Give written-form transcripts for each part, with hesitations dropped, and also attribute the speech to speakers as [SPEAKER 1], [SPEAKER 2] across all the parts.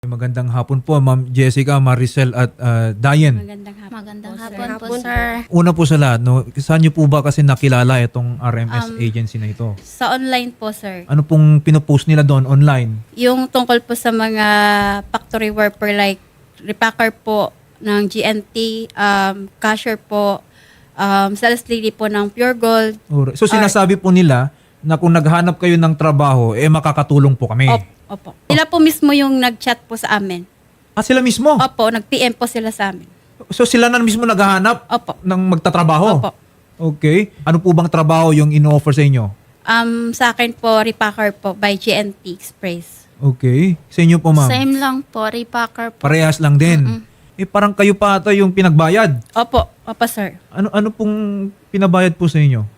[SPEAKER 1] Magandang hapon po, Ma'am Jessica, Maricel at Diane.
[SPEAKER 2] Magandang hapon po, sir.
[SPEAKER 1] Una po sa lahat, no, saan niyo po ba kasi nakilala itong RMS agency na ito?
[SPEAKER 2] Sa online po, sir.
[SPEAKER 1] Ano pong pinopost nila doon online?
[SPEAKER 2] Yung tungkol po sa mga factory worker like repacker po ng GNT, cashier po, sales lady po ng Pure Gold.
[SPEAKER 1] So sinasabi po nila na kung naghanap kayo ng trabaho, makakatulong po kami.
[SPEAKER 2] Opo. Sila po mismo yung nag-chat po sa amin.
[SPEAKER 1] Sila mismo?
[SPEAKER 2] Opo, nag-PM po sila sa amin.
[SPEAKER 1] So sila na mismo naghahanap
[SPEAKER 2] Opo.
[SPEAKER 1] ng magtatrabaho?
[SPEAKER 2] Opo.
[SPEAKER 1] Okay. Ano po bang trabaho yung ino-offer sa inyo?
[SPEAKER 2] Sa akin po, repacker po by GNT Express.
[SPEAKER 1] Okay. Sa inyo po, ma'am?
[SPEAKER 3] Same lang po, repacker po.
[SPEAKER 1] Parehas lang din. Parang kayo pa ata yung pinagbayad.
[SPEAKER 2] Opo, sir.
[SPEAKER 1] Ano pong pinabayad po sa inyo?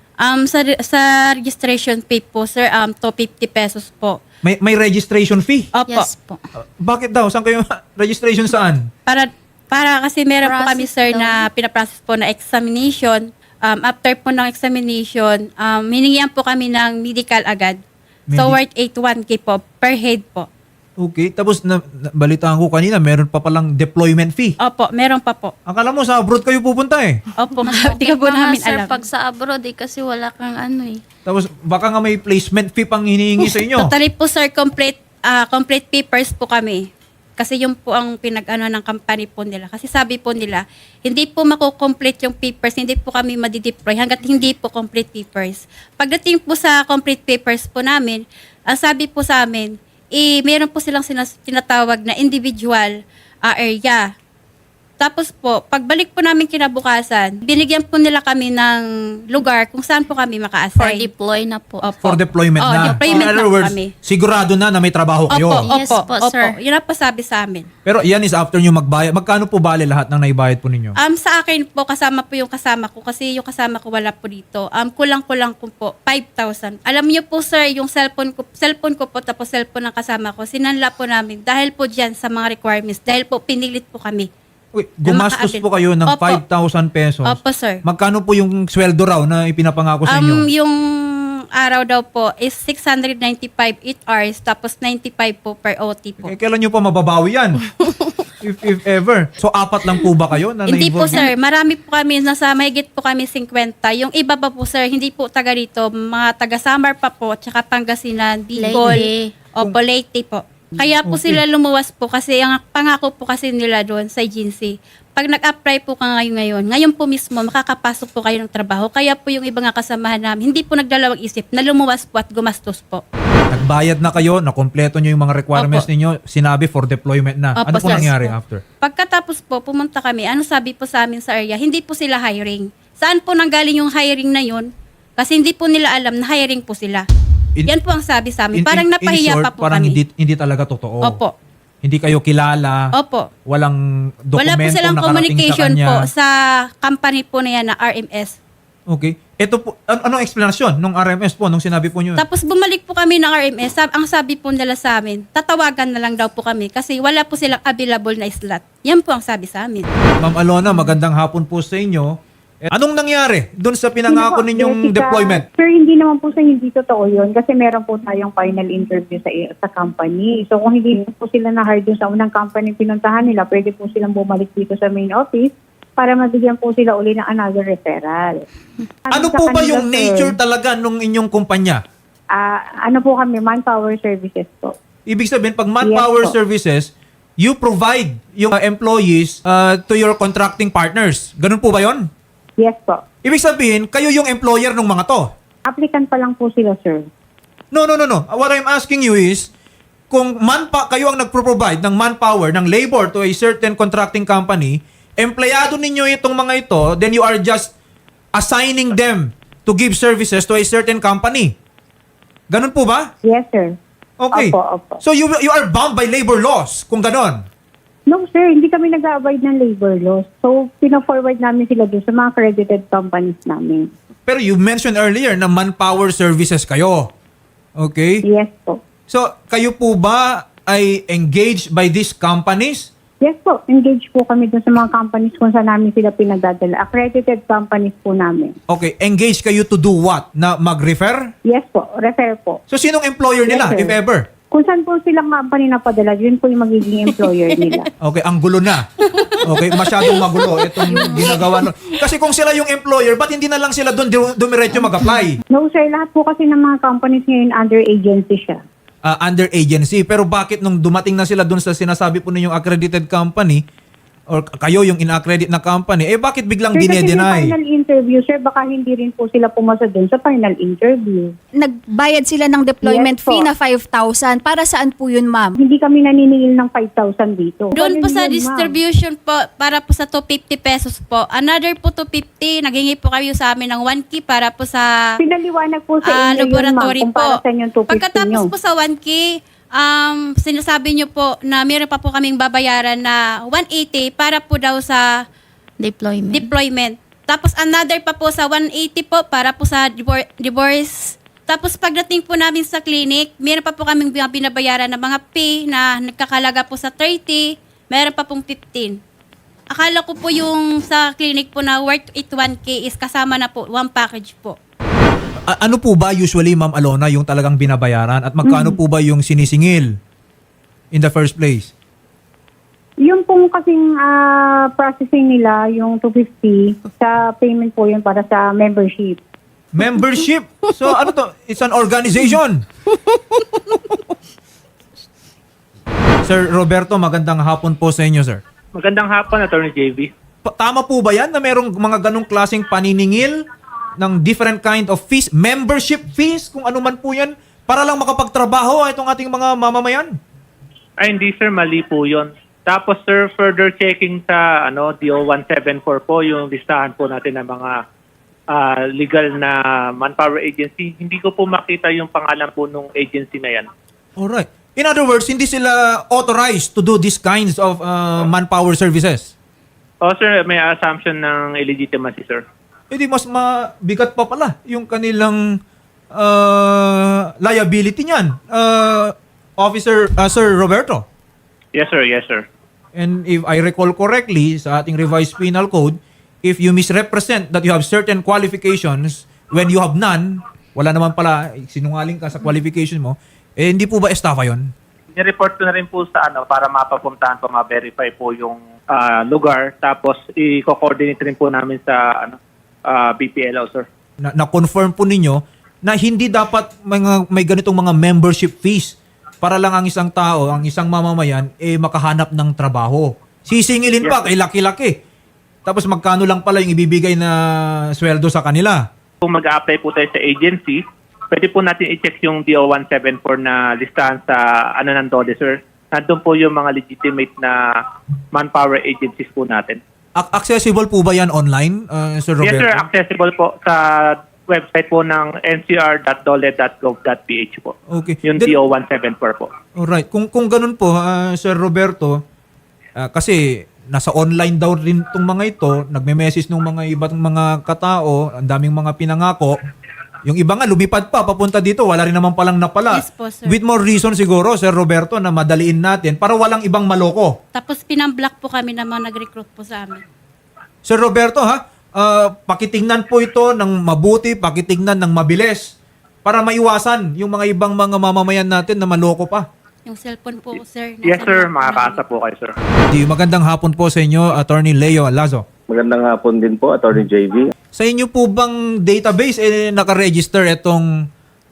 [SPEAKER 2] Sa registration fee po, sir, 250 pesos po.
[SPEAKER 1] May registration fee?
[SPEAKER 2] Opo.
[SPEAKER 3] Yes po.
[SPEAKER 1] Bakit daw? Saan kayo? Registration saan?
[SPEAKER 2] Para kasi meron po kami,
[SPEAKER 3] Process
[SPEAKER 2] sir,
[SPEAKER 3] daw.
[SPEAKER 2] na pinaprocess po na examination. After po ng examination, hiningihan po kami ng medical agad. So, worth 81K po per head po.
[SPEAKER 1] Okay. Tapos, balitaan ko kanina, meron pa palang deployment fee.
[SPEAKER 2] Opo, meron pa po.
[SPEAKER 1] Akala mo, sa abroad kayo pupunta eh.
[SPEAKER 2] Opo,
[SPEAKER 3] Okay
[SPEAKER 2] hindi ka po
[SPEAKER 3] pa nga,
[SPEAKER 2] namin
[SPEAKER 3] sir,
[SPEAKER 2] alam.
[SPEAKER 3] pag sa abroad kasi wala kang ano eh.
[SPEAKER 1] Tapos, baka nga may placement fee pang hinihingi sa inyo.
[SPEAKER 2] Totally po, sir, complete papers po kami. Kasi yung po ang pinag-ano ng company po nila. Kasi sabi po nila, hindi po makukomplete yung papers, hindi po kami madideploy hanggat hindi po complete papers. Pagdating po sa complete papers po namin, ang sabi po sa amin, meron po silang tinatawag na individual area. Tapos po, pagbalik po namin kinabukasan, binigyan po nila kami ng lugar kung saan po kami
[SPEAKER 3] For
[SPEAKER 2] maka-assign.
[SPEAKER 3] deploy na po.
[SPEAKER 2] Opo.
[SPEAKER 1] For deployment na.
[SPEAKER 2] Deployment
[SPEAKER 1] In
[SPEAKER 2] na
[SPEAKER 1] other
[SPEAKER 2] po
[SPEAKER 1] words,
[SPEAKER 2] kami.
[SPEAKER 1] sigurado na may trabaho kayo.
[SPEAKER 2] Opo,
[SPEAKER 3] Yes po, sir.
[SPEAKER 2] Yun ang pasabi sa amin.
[SPEAKER 1] Pero yan is after nyo magbayad. Magkano po bale lahat ng naibayad po ninyo?
[SPEAKER 2] Sa akin po, kasama po yung kasama ko kasi yung kasama ko wala po dito. Kulang-kulang ko po, 5,000. Alam niyo po, sir, yung cellphone ko po, tapos cellphone ng kasama ko, sinanla po namin dahil po dyan sa mga requirements, dahil po pinilit po kami.
[SPEAKER 1] Uy, gumastos
[SPEAKER 2] makaabil.
[SPEAKER 1] po kayo ng
[SPEAKER 2] Opo.
[SPEAKER 1] 5,000 pesos.
[SPEAKER 2] Opo, sir.
[SPEAKER 1] Magkano po yung sweldo raw na ipinapangako sa inyo?
[SPEAKER 2] Yung araw daw po is 695 8 hours, tapos 95 po per OT po.
[SPEAKER 1] Kailan nyo pa mababawi yan? if ever. So, apat lang po ba kayo na
[SPEAKER 2] Hindi po,
[SPEAKER 1] na-involve?
[SPEAKER 2] sir. Marami po kami, nasa mahigit po kami 50. Yung iba pa po, sir, hindi po taga rito. Mga taga Samar pa po, tsaka Pangasinan, Bicol.
[SPEAKER 3] Leyte.
[SPEAKER 2] Opo, Leyte po. Kaya po
[SPEAKER 1] Okay.
[SPEAKER 2] sila lumuwas po kasi ang pangako po kasi nila doon sa agency. Pag nag-apply po ka ngayon po mismo, makakapasok po kayo ng trabaho. Kaya po yung iba nga kasamahan namin, hindi po nagdalawang isip na lumuwas po at gumastos po.
[SPEAKER 1] Nagbayad na kayo, nakompleto nyo yung mga requirements
[SPEAKER 2] Opo.
[SPEAKER 1] ninyo, sinabi for deployment na.
[SPEAKER 2] Opo,
[SPEAKER 1] Ano po
[SPEAKER 2] sir.
[SPEAKER 1] nangyari after?
[SPEAKER 2] Pagkatapos po, pumunta kami, ano sabi po sa amin sa area, hindi po sila hiring. Saan po nanggaling yung hiring na yun? Kasi hindi po nila alam na hiring po sila. Yan po ang sabi sa amin. Parang napahiya
[SPEAKER 1] in short,
[SPEAKER 2] pa po
[SPEAKER 1] parang
[SPEAKER 2] kami.
[SPEAKER 1] hindi talaga totoo.
[SPEAKER 2] Opo.
[SPEAKER 1] Hindi kayo kilala.
[SPEAKER 2] Opo.
[SPEAKER 1] Walang
[SPEAKER 2] Wala po
[SPEAKER 1] dokumento
[SPEAKER 2] silang
[SPEAKER 1] nakarating
[SPEAKER 2] communication
[SPEAKER 1] sa kanya.
[SPEAKER 2] po sa company po na yan na RMS.
[SPEAKER 1] Okay. Ito po, anong explanation nung RMS po, nung sinabi po nyo?
[SPEAKER 2] Tapos bumalik po kami ng RMS. Ang sabi po nila sa amin, tatawagan na lang daw po kami kasi wala po silang available na slot. Yan po ang sabi sa amin.
[SPEAKER 1] Ma'am Alona, magandang hapon po sa inyo. Anong nangyari doon sa pinangako
[SPEAKER 4] Hindi po,
[SPEAKER 1] ninyong
[SPEAKER 4] Jessica.
[SPEAKER 1] deployment?
[SPEAKER 4] Sir, hindi naman po sa hindi totoo yun kasi meron po tayong final interview sa company. So kung hindi po sila na-hire dun sa unang company pinuntahan nila, pwede po silang bumalik dito sa main office para mabigyan po sila uli ng another referral.
[SPEAKER 1] Ano
[SPEAKER 4] Sa
[SPEAKER 1] po ba
[SPEAKER 4] kanila,
[SPEAKER 1] yung
[SPEAKER 4] sir,
[SPEAKER 1] nature talaga nung inyong kumpanya?
[SPEAKER 4] ano po kami, manpower services po.
[SPEAKER 1] Ibig sabihin, pag manpower
[SPEAKER 4] Yes po.
[SPEAKER 1] services, you provide yung employees to your contracting partners. Ganun po ba yon?
[SPEAKER 4] Yes po.
[SPEAKER 1] Ibig sabihin, kayo yung employer ng mga to.
[SPEAKER 4] Applicant pa lang po sila, sir.
[SPEAKER 1] No. What I'm asking you is, kung kayo ang nagpro-provide ng manpower, ng labor to a certain contracting company, empleyado ninyo itong mga ito, then you are just assigning them to give services to a certain company. Ganun po ba?
[SPEAKER 4] Yes, sir.
[SPEAKER 1] Okay.
[SPEAKER 4] Opo.
[SPEAKER 1] So you are bound by labor laws kung ganon.
[SPEAKER 4] No, sir. Hindi kami nag-avoid ng labor laws. So, pina-forward namin sila dun sa mga accredited companies namin.
[SPEAKER 1] Pero you mentioned earlier na manpower services kayo. Okay?
[SPEAKER 4] Yes po.
[SPEAKER 1] So, kayo po ba ay engaged by these companies?
[SPEAKER 4] Yes po. Engage po kami dun sa mga companies kung saan namin sila pinagdadala. Accredited companies po namin.
[SPEAKER 1] Okay, engaged kayo to do what? Na mag-refer?
[SPEAKER 4] Yes po. Refer po.
[SPEAKER 1] So, sinong employer nila,
[SPEAKER 4] Yes, sir.
[SPEAKER 1] if ever?
[SPEAKER 4] Kung saan po silang company napadala, yun po yung magiging employer nila.
[SPEAKER 1] Okay, ang gulo na. Okay, masyadong magulo itong ginagawa. Kasi kung sila yung employer, ba't hindi na lang sila doon dumiretso mag-apply?
[SPEAKER 4] No sir, lahat po kasi ng mga companies ngayon under agency siya.
[SPEAKER 1] Under agency. Pero bakit nung dumating na sila doon sa sinasabi po ninyong accredited company, or kayo yung in-accredit na company, bakit biglang
[SPEAKER 4] Sir, kasi yung
[SPEAKER 1] dinedeny?
[SPEAKER 4] final interview, sir, baka hindi rin po sila pumasa dun sa final interview.
[SPEAKER 5] Nagbayad sila ng deployment
[SPEAKER 4] Yes po.
[SPEAKER 5] fee na 5,000. Para saan po yun, ma'am?
[SPEAKER 4] Hindi kami naniningil ng 5,000 dito.
[SPEAKER 2] Doon po sa
[SPEAKER 4] Ganun yun, ma'am.
[SPEAKER 2] distribution po, para po sa 250 pesos po. Another po 250, naghingi po kayo sa amin ng 1K para po sa
[SPEAKER 4] Pinaliwanag po sa inyo yun, ma'am,
[SPEAKER 2] laboratory
[SPEAKER 4] kung
[SPEAKER 2] po.
[SPEAKER 4] para sa inyo 250
[SPEAKER 2] Pagkatapos
[SPEAKER 4] nyo.
[SPEAKER 2] po sa 1K, sinasabi nyo po na meron pa po kaming babayaran na 180 para po daw sa
[SPEAKER 3] Deployment.
[SPEAKER 2] deployment. Tapos another pa po sa 180 po para po sa divorce. Tapos pagdating po namin sa clinic, meron pa po kaming binabayaran na mga pay na nagkakalaga po sa 30, meron pa pong 15. Akala ko po yung sa clinic po na worth 1K is kasama na po, one package po.
[SPEAKER 1] Ano po ba usually, Ma'am Alona, yung talagang binabayaran? At magkano po ba yung sinisingil in the first place?
[SPEAKER 4] Yung pong kasing processing nila, yung 250, sa payment po yun para sa membership.
[SPEAKER 1] Membership? So ano to? It's an organization. Sir Roberto, magandang hapon po sa inyo, sir.
[SPEAKER 6] Magandang hapon, Attorney JV.
[SPEAKER 1] Tama po ba yan na merong mga ganong klaseng paniningil ng different kind of fees, membership fees, kung ano man po yan, para lang makapagtrabaho itong ating mga mamamayan?
[SPEAKER 6] Ay, hindi sir, mali po yun. Tapos sir, further checking sa DO 174 po, yung listahan po natin ng mga legal na manpower agency. Hindi ko po makita yung pangalan po nung agency na yan.
[SPEAKER 1] Alright. In other words, hindi sila authorized to do these kinds of manpower services.
[SPEAKER 6] Sir, may assumption ng illegitimacy, sir.
[SPEAKER 1] Di mas mabigat pa pala yung kanilang liability niyan. Sir Roberto.
[SPEAKER 6] Yes, sir. Yes, sir.
[SPEAKER 1] And if I recall correctly, sa ating revised penal code, if you misrepresent that you have certain qualifications when you have none, wala naman pala, sinungaling ka sa qualification mo, hindi po ba estafa yun?
[SPEAKER 6] Ni-report ko na rin po sa para mapapuntahan po, ma-verify po yung lugar. Tapos, i-coordinate rin po namin sa BPLO, sir.
[SPEAKER 1] Na-confirm po ninyo na hindi dapat may ganitong mga membership fees para lang ang isang tao, ang isang mamamayan, makahanap ng trabaho. Sisingilin pa, kay laki-laki. Tapos magkano lang pala yung ibibigay na sweldo sa kanila.
[SPEAKER 6] Kung mag-a-apply po tayo sa agency, pwede po natin i-check yung DO 174 na listahan sa ng DOLE, sir. Nandun po yung mga legitimate na manpower agencies po natin.
[SPEAKER 1] Accessible po ba yan online, Sir Roberto?
[SPEAKER 6] Yes, sir. Accessible po sa website po ng ncr.dole.gov.ph po.
[SPEAKER 1] Okay.
[SPEAKER 6] Yung
[SPEAKER 1] Then-
[SPEAKER 6] DO 174 po.
[SPEAKER 1] Alright. Kung ganun po, Sir Roberto, kasi nasa online daw rin itong mga ito, nagme-message ng mga ibang mga katao, ang daming mga pinangako. Yung iba nga, lumipad pa, papunta dito, wala rin naman palang napala.
[SPEAKER 2] Yes po, sir.
[SPEAKER 1] With more reason siguro, Sir Roberto, na madaliin natin para walang ibang maloko.
[SPEAKER 2] Tapos pinamblock po kami ng mga nag-recruit po sa amin.
[SPEAKER 1] Sir Roberto, pakitingnan po ito ng mabuti, pakitingnan ng mabilis para maiwasan yung mga ibang mga mamamayan natin na maloko pa.
[SPEAKER 2] Yung cellphone po, sir.
[SPEAKER 6] Yes,
[SPEAKER 2] nasa
[SPEAKER 6] sir.
[SPEAKER 2] block po
[SPEAKER 6] Makakaasa
[SPEAKER 2] namin.
[SPEAKER 6] po kayo, sir.
[SPEAKER 1] Magandang hapon po sa inyo, Attorney Leo Lazo.
[SPEAKER 7] Magandang hapon din po, Attorney JV.
[SPEAKER 1] Sa inyo po bang database naka-register itong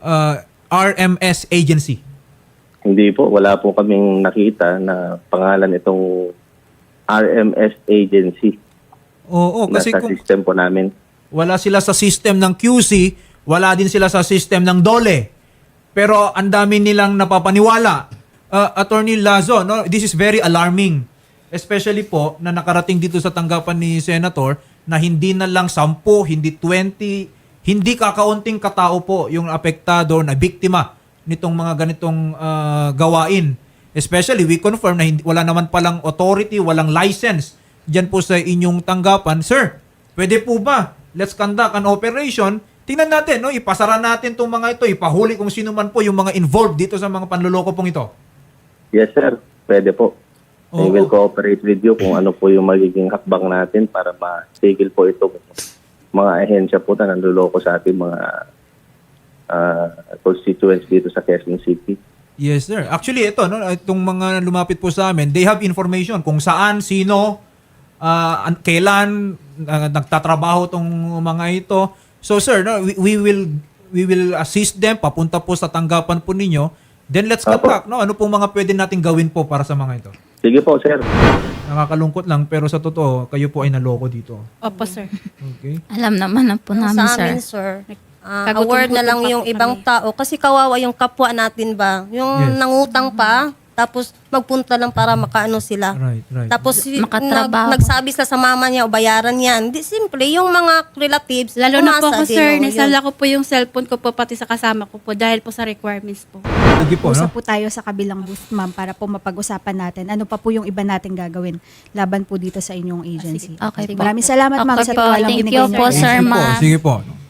[SPEAKER 1] RMS agency?
[SPEAKER 7] Hindi po, wala po kaming nakita na pangalan itong RMS agency.
[SPEAKER 1] Oo, kasi
[SPEAKER 7] Nasa
[SPEAKER 1] kung
[SPEAKER 7] system po namin.
[SPEAKER 1] wala sila sa system ng QC, wala din sila sa system ng DOLE. Pero ang dami nilang napapaniwala. Attorney Lazo, no, this is very alarming. Especially po na nakarating dito sa tanggapan ni Senator na hindi na lang 10, hindi 20, hindi kakaunting katao po yung apektado na biktima nitong mga ganitong gawain. Especially, we confirm na wala naman palang authority, walang license dyan po sa inyong tanggapan. Sir, pwede po ba? Let's conduct an operation. Tingnan natin, no? Ipasara natin itong mga ito, ipahuli kung sino man po yung mga involved dito sa mga panluloko pong ito.
[SPEAKER 7] Yes, sir. Pwede po. We
[SPEAKER 1] Oo.
[SPEAKER 7] will cooperate with you kung ano po yung magiging hakbang natin para matigil po ito mga ahensya po na nanluloko sa ating mga constituents dito sa Quezon City.
[SPEAKER 1] Yes, sir. Actually, ito, no, itong mga lumapit po sa amin, they have information kung saan, sino, kailan nagtatrabaho tong mga ito. So, sir, no, we will assist them, papunta po sa tanggapan po ninyo. Then let's get back, no? Ano pong mga pwede nating gawin po para sa mga ito?
[SPEAKER 7] Sige po, sir.
[SPEAKER 1] Nakakalungkot lang, pero sa totoo, kayo po ay naloko dito.
[SPEAKER 2] Opo, sir.
[SPEAKER 1] Okay?
[SPEAKER 3] Alam naman na po namin,
[SPEAKER 8] Sa
[SPEAKER 3] sir.
[SPEAKER 8] amin, sir.
[SPEAKER 2] Kagutom-gutom
[SPEAKER 8] Award na lang
[SPEAKER 2] pa
[SPEAKER 8] yung
[SPEAKER 2] po
[SPEAKER 8] ibang
[SPEAKER 2] kami.
[SPEAKER 8] tao kasi kawawa yung kapwa natin ba? Yung
[SPEAKER 1] Yes.
[SPEAKER 8] nangutang pa, tapos magpunta lang para makaano sila.
[SPEAKER 1] Right, right.
[SPEAKER 8] Tapos
[SPEAKER 3] Makatrabaho.
[SPEAKER 8] nagsabi sila sa mama niya o bayaran yan. Di, simple, yung mga relatives,
[SPEAKER 2] Lalo na po
[SPEAKER 8] umasa
[SPEAKER 2] ako,
[SPEAKER 8] din,
[SPEAKER 2] sir.
[SPEAKER 8] oh, yun.
[SPEAKER 2] Nagsala ko po yung cellphone ko po pati sa kasama ko po dahil po sa requirements po.
[SPEAKER 1] Sige po, no?
[SPEAKER 5] Usap po tayo sa kabilang booth, ma'am, para po mapag-usapan natin. Ano pa po yung iba nating gagawin laban po dito sa inyong agency.
[SPEAKER 3] Okay po.
[SPEAKER 5] Maraming salamat, ma'am,
[SPEAKER 3] Okay
[SPEAKER 5] sa
[SPEAKER 3] po.
[SPEAKER 5] tiwalang
[SPEAKER 3] Thank
[SPEAKER 5] binigay
[SPEAKER 3] you
[SPEAKER 5] niyo.
[SPEAKER 3] po, sir,
[SPEAKER 1] Sige po,
[SPEAKER 3] ma'am.
[SPEAKER 1] sige po.